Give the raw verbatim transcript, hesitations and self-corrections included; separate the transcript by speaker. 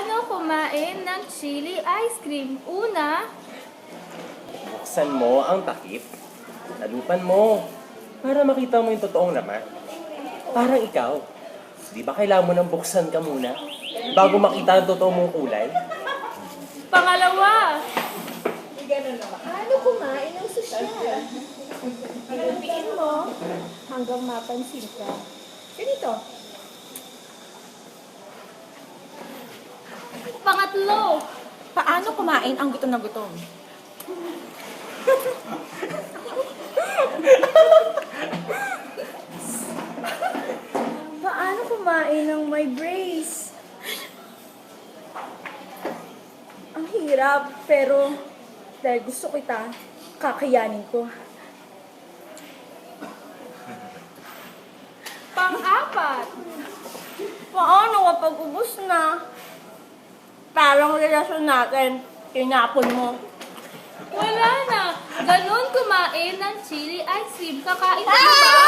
Speaker 1: Paano kumain ng chili ice cream? Una,
Speaker 2: Buksan mo ang takip, talupan mo, para makita mo yung totoong laman. Parang ikaw, di ba kailangan mo nang buksan ka muna bago makita ang totoong mong kulay?
Speaker 1: pangalawa,
Speaker 3: Paano kumain ng sosyal? Pinupiin mo hanggang mapansin ka. Ganito.
Speaker 1: pangatlo,
Speaker 3: Paano kumain ang gutom na gutom? Paano kumain ng may brace? Ang hirap, pero dahil gusto kita, kakayanin ko.
Speaker 1: pang-apat,
Speaker 3: Paano kapag ubus na? Parang relasyon natin, inapon mo.
Speaker 1: wala na. Ganon kumain ng chili ice cream. Kakain ka na ba?